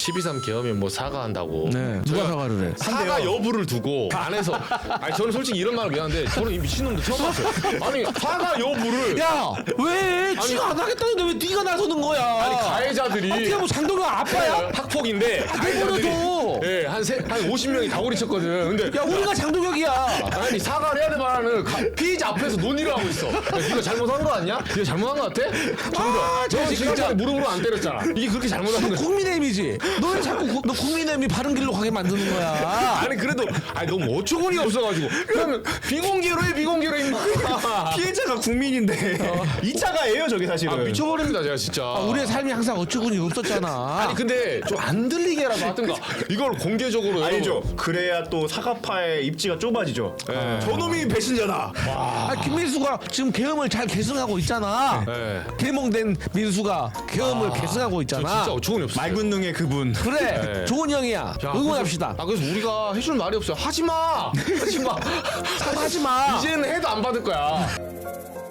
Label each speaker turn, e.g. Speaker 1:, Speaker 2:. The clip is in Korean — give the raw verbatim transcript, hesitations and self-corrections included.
Speaker 1: 십이삼 계엄에 뭐 사과한다고.
Speaker 2: 네. 누가 사과를 해?
Speaker 1: 사과 여부를 두고 안에서 아니 저는 솔직히 이런 말은 미안한데 저는 이 미친놈도 처음 봤어요. 아니 사과 여부를
Speaker 2: 야, 왜? 지가 안 하겠다는데 왜 네가 나서는 거야?
Speaker 1: 아니 가해자들이
Speaker 2: 어떻게 뭐 장동영 아빠야?
Speaker 1: 네, 학폭인데
Speaker 2: 내버려둬.
Speaker 1: 예, 한세한 오십 명이 다구리 쳤거든. 근데
Speaker 2: 야, 우리가 장동혁이야.
Speaker 1: 아니 사과를 해야 될 바라는 피의자 앞에서 논의를 하고 있어. 야, 네가 잘못한 거 아니야? 네가 잘못한 거 같아? 정답. 너 진짜 무릎으로 안 때렸잖아. 이게 그렇게 잘못한 거야.
Speaker 2: 국민의힘이지. 너 왜 자꾸 구- 너 국민의힘이 바른 길로 가게 만드는 거야?
Speaker 1: 아니 그래도 아니 너무 어처구니 없어가지고 그러면 비공개로 해 비공개로 해 임마.
Speaker 3: 피해자가 국민인데 이 차가예요 저게 사실은.
Speaker 1: 아 미쳐버립니다 제가 진짜.
Speaker 2: 아, 우리의 삶이 항상 어처구니 없었잖아.
Speaker 1: 아니 근데 좀 안 들리게라도 하든가 이걸 공개적으로
Speaker 3: 아니죠.
Speaker 1: 여러분.
Speaker 3: 그래야 또 사과파의 입지가 좁아지죠.
Speaker 1: 네.
Speaker 3: 저놈이 배신자다.
Speaker 2: 아, 김민수가 지금 계엄을 잘 계승하고 있잖아.
Speaker 1: 네.
Speaker 2: 개몽된 민수가 계엄을 계승하고
Speaker 1: 저
Speaker 2: 있잖아.
Speaker 1: 진짜 어처구니 없어.
Speaker 3: 말군능의 그분.
Speaker 2: 그래,
Speaker 1: 네.
Speaker 2: 좋은 형이야.
Speaker 1: 야,
Speaker 2: 응원합시다.
Speaker 1: 그래서, 아 그래서 우리가 해줄 말이 없어요. 하지 마. 하지 마.
Speaker 2: 하지 마.
Speaker 1: 이제는 해도 안 받을 거야.